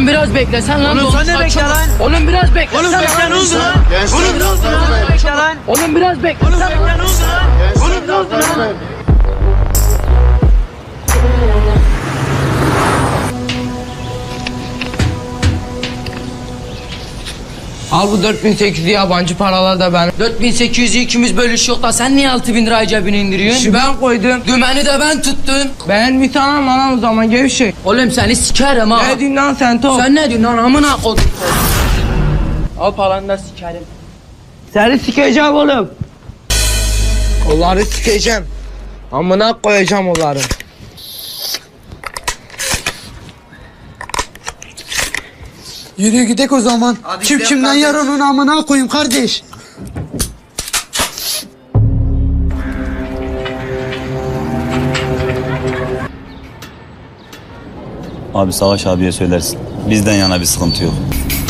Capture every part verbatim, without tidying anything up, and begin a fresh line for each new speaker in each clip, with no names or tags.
Oğlum biraz beklesen lan.
Oğlum sen ne bekle lan?
Oğlum biraz beklesen.
Oğlum bekle ne oldu lan?
Gençler
Oğlum ne oldu lan? Bekle lan.
Oğlum biraz bekle.
Oğlum bekle ne oldu lan? Oğlum ne oldu lan?
Al bu dört bin sekiz yüz yabancı paralar da benim. dört bin sekiz yüzü ikimiz bölüşüyor da sen niye altı bin lirayı cebine indiriyorsun?
Şu ben koydum.
Dümeni de ben tuttum.
Ben bir tane lan o zaman gevşek.
Oğlum seni sikerim ha.
Ne diyorsun lan sen top?
Sen ne diyorsun lan amına koydum. Al paranı da sikerim.
Seni sikeceğim oğlum. Onları sikeceğim. Amına koyacağım onları.
Yürü gidek o zaman. Kim kimden yer onun amına koyayım kardeş.
Abi Savaş abiye söylersin. Bizden yana bir sıkıntı yok.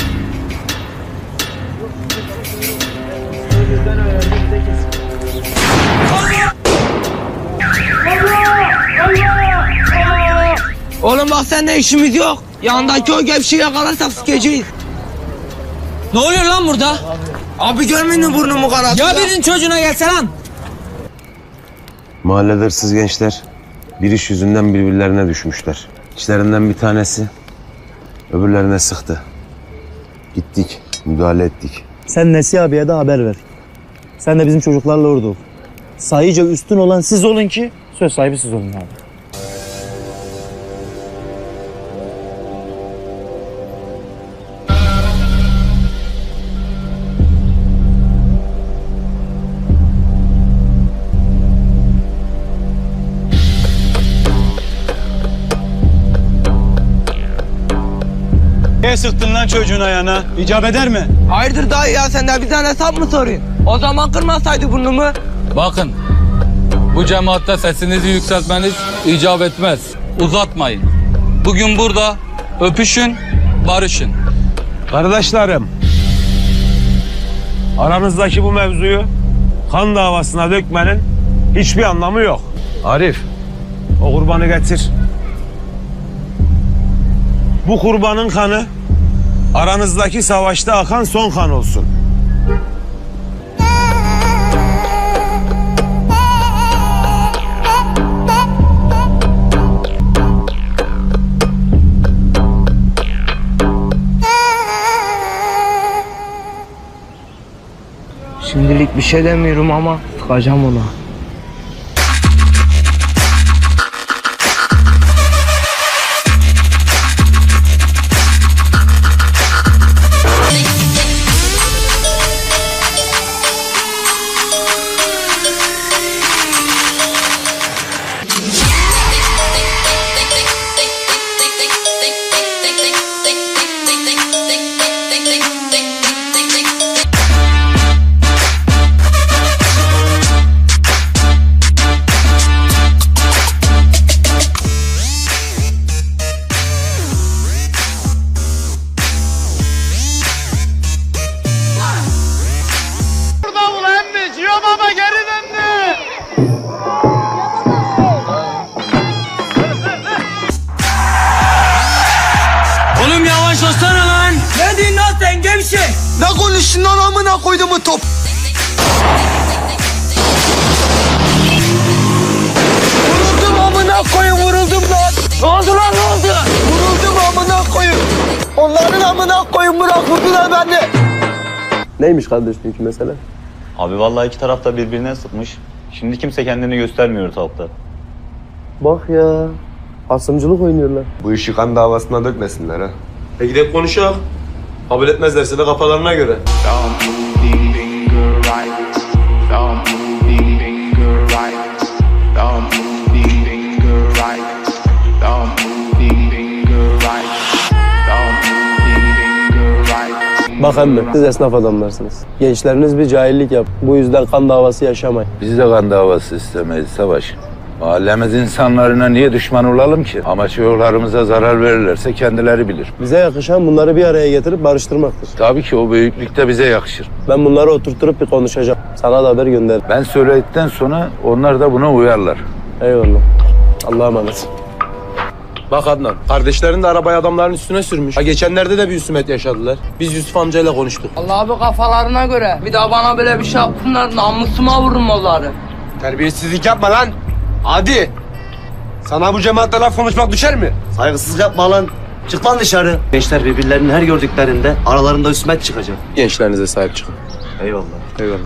Oğlum bak seninle işimiz yok. Yanındaki o gevşeyi yakalarsak sikeceğiz.
Ne oluyor lan burada?
Abi görmedin mi burnumu kanattı?
Ya birinin çocuğuna gelse lan.
Mahallede hırsız gençler bir iş yüzünden birbirlerine düşmüşler. İçlerinden bir tanesi öbürlerine sıktı. Gittik, müdahale ettik.
Sen Nesi abiye de haber ver. Sen de bizim çocuklarla orada ol. Sayıca üstün olan siz olun ki söz sahibi siz olun abi.
Niye sıktın lan çocuğun ayağına? İcap eder mi?
Hayırdır dayı ya sen de bizden hesap mı soruyorsun? O zaman kırmasaydı burnumu.
Bakın, bu cemaatte sesinizi yükseltmeniz icap etmez. Uzatmayın. Bugün burada öpüşün, barışın.
Kardeşlerim, aranızdaki bu mevzuyu kan davasına dökmenin hiçbir anlamı yok. Arif, o kurbanı getir. Bu kurbanın kanı aranızdaki savaşta akan son kan olsun.
Şimdilik bir şey demiyorum ama sıkacağım ona.
Oğlum yavaşlasana lan.
Ne diyorsun lan sen gevşek?
Ne konuştun lan amına koydum bu top.
Vuruldum amına koyun vuruldum lan. Ne oldu lan ne oldu?
Vuruldum amına koyayım. Onların amına koyun bırakmadılar beni.
Neymiş kardeş dünkü mesele?
Abi vallahi iki taraf da birbirine sıkmış. Şimdi kimse kendini göstermiyor ortalıkta.
Bak ya, asımcılık oynuyorlar.
Bu işi kan davasına dökmesinler ha.
E gidip konuşalım. Kabul etmezlerse de kafalarına göre.
Bak emmi, siz esnaf adamlarsınız. Gençleriniz bir cahillik yap. Bu yüzden kan davası yaşamayın.
Biz de kan davası istemeyiz Savaş. Mahallemiz insanlarına niye düşman olalım ki? Ama çocuklarımıza zarar verirlerse kendileri bilir.
Bize yakışan bunları bir araya getirip barıştırmaktır.
Tabii ki o büyüklükte bize yakışır.
Ben bunları oturtturup bir konuşacağım. Sana da haber gönder.
Ben söyledikten sonra onlar da buna uyarlar.
Eyvallah. Allah'a emanet.
Bak Adnan, kardeşlerin de arabayı adamların üstüne sürmüş. Ha geçenlerde de bir husumet yaşadılar. Biz Yusuf amcayla konuştuk.
Allah abi kafalarına göre. Bir daha bana böyle bir şey yapsınlar namusuma vururum onları.
Terbiyesizlik yapma lan. Hadi. Sana bu cemaatle laf konuşmak düşer mi?
Saygısızlık yapma lan. Çık lan dışarı. Gençler birbirlerini her gördüklerinde aralarında husumet çıkacak.
Gençlerinize sahip çıkın.
Eyvallah.
Eyvallah.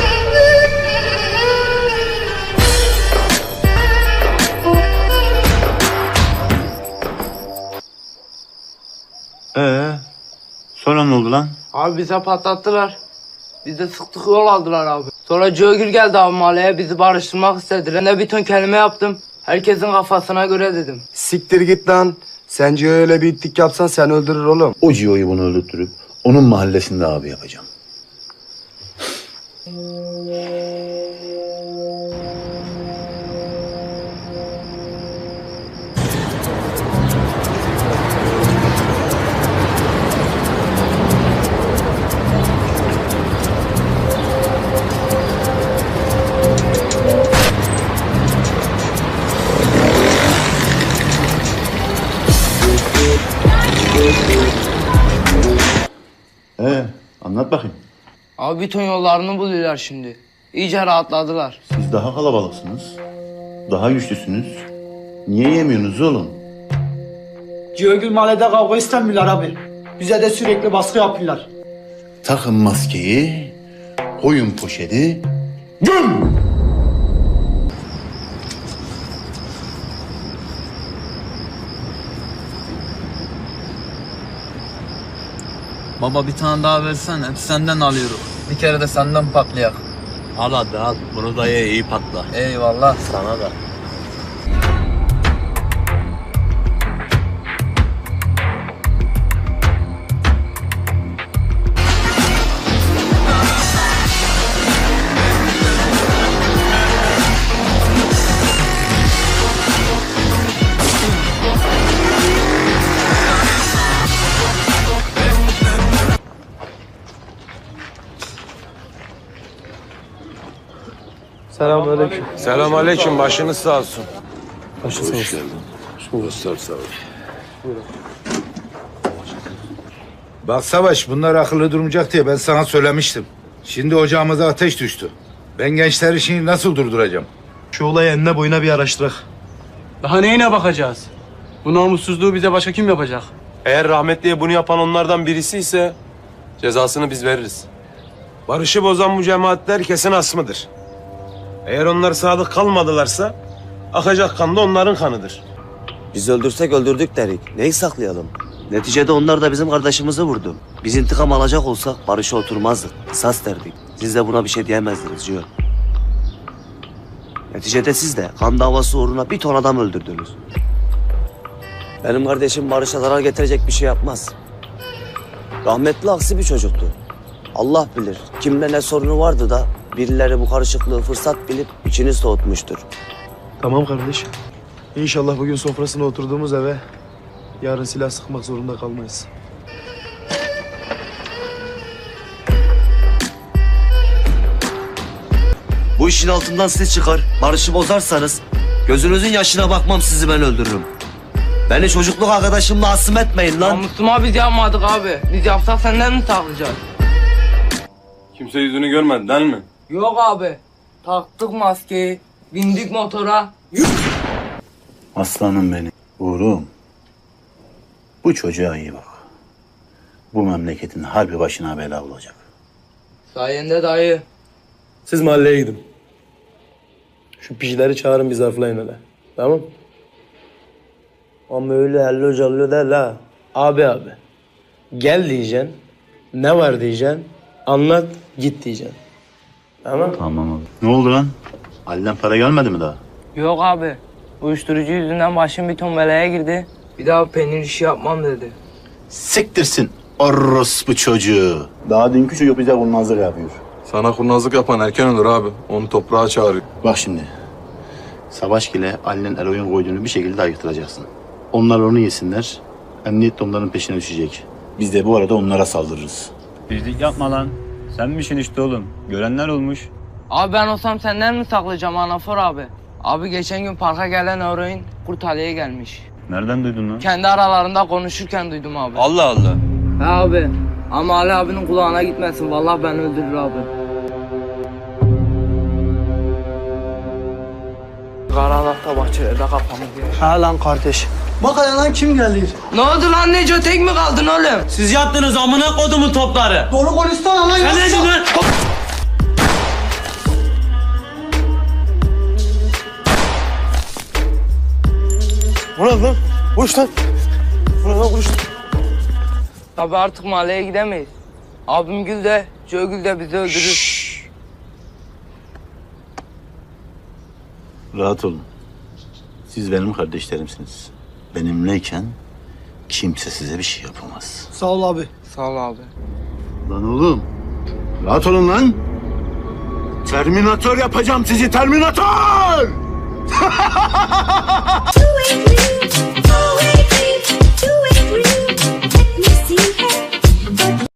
Ee, sonra ne oldu lan?
Abi bize patlattılar. Biz de sıktık yol aldılar abi. Sonra Cögül geldi abi mahalleye bizi barıştırmak istediler. Ben de bir ton kelime yaptım. Herkesin kafasına göre dedim.
Siktir git lan. Sence öyle bir itlik yapsan sen öldürür oğlum.
O Cio'yu bunu öldürtürüp onun mahallesinde abi yapacağım. Ee, anlat bakayım.
Abi bir ton yollarını buluyorlar şimdi. İyice rahatladılar.
Siz daha kalabalıksınız. Daha güçlüsünüz. Niye yemiyorsunuz oğlum?
Cihogül mahallede kavga istemiyorlar abi. Bize de sürekli baskı yapıyorlar.
Takın maskeyi, koyun poşeti, göm!
Baba bir tane daha versene. Hep senden alıyorum. Bir kere de senden patlayak.
Al hadi al. Bunu da ye iyi patla.
Eyvallah.
Sana da.
Selamünaleyküm. Selamünaleyküm. Başınız sağ olsun.
Hoş geldin. Dostlar sağ ol.
Bak Savaş, bunlar akıllı durmayacak diye ben sana söylemiştim. Şimdi ocağımıza ateş düştü. Ben gençler işini nasıl durduracağım?
Şu olayı enine boyuna bir araştırak.
Daha neyine bakacağız? Bu namussuzluğu bize başka kim yapacak?
Eğer rahmetliye bunu yapan onlardan birisi ise cezasını biz veririz. Barışı bozan bu cemaatler kesin asmıdır. Eğer onlar sadık kalmadılarsa akacak kan da onların kanıdır.
Biz öldürsek öldürdük derik. Neyi saklayalım? Neticede onlar da bizim kardeşimizi vurdu. Biz intikam alacak olsak barışa oturmazdık. Sas derdik. Siz de buna bir şey diyemezdiniz Cihan. Neticede siz de kan davası uğruna bir ton adam öldürdünüz. Benim kardeşim barışa zarar getirecek bir şey yapmaz. Rahmetli aksi bir çocuktu. Allah bilir kimle ne sorunu vardı da birileri bu karışıklığı fırsat bilip içini soğutmuştur.
Tamam kardeş. İnşallah bugün sofrasına oturduğumuz eve yarın silah sıkmak zorunda kalmayız.
Bu işin altından siz çıkar, barışı bozarsanız gözünüzün yaşına bakmam, sizi ben öldürürüm. Beni çocukluk arkadaşımla asım etmeyin lan.
Namusuma biz yapmadık abi. Biz yapsak senden mi saklayacağız?
Kimse yüzünü görmedi değil mi?
Yok abi. Taktık maskeyi. Bindik motora.
Aslanım benim. Uğur'um. Bu çocuğa iyi bak. Bu memleketin harbi başına bela olacak.
Sayende dayı.
Siz mahalleye gidin. Şu pişileri çağırın bir zarflayın hele. Tamam? Ama öyle hello callo değil ha. Abi abi. Gel diyeceksin. Ne var diyeceksin. Anlat git diyeceksin. Tamam?
Tamam abi. Ne oldu lan? Halden para gelmedi mi daha?
Yok abi. Uyuşturucu yüzünden başım bir ton belaya girdi. Bir daha peynir işi yapmam dedi.
Siktirsin orospu çocuğu. Daha dünkü çocuk bize kurnazlık yapıyor.
Sana kurnazlık yapan erken ölür abi. Onu toprağa çağırıyor.
Bak şimdi. Savaş ile Ali'nin eroin koyduğunu bir şekilde ayıktıracaksın. Onlar onu yesinler. Emniyet de onların peşine düşecek. Biz de bu arada onlara saldırırız.
Bizlik yapma lan. Sen misin işte oğlum? Görenler olmuş.
Abi ben olsam senden mi saklayacağım Anafor abi? Abi geçen gün parka gelen eroin Kurt Ali'ye gelmiş.
Nereden duydun lan?
Kendi aralarında konuşurken duydum abi.
Allah Allah.
He abi. Ama Ali abinin kulağına gitmesin. Vallahi beni öldürür abi. Karanlıkta bahçelerde kafamı diyor.
Ha lan kardeş. Bak hele lan kim geldi?
Ne oldu lan Neco, tek mi kaldın oğlum?
Siz yaptınız amına kodumun topları. Doğru konuşsana lan. Sen ne diyorsun lan?
Ulan lan, koş lan. Ulan lan koş. Tabi artık mahalleye gidemeyiz. Abim Gül de, Joe Gül de bizi öldürür.
Rahat olun. Siz benim kardeşlerimsiniz. Benimleyken kimse size bir şey yapamaz.
Sağ ol abi.
Sağ ol abi.
Lan oğlum. Rahat olun lan. Terminator yapacağım sizi, Terminator!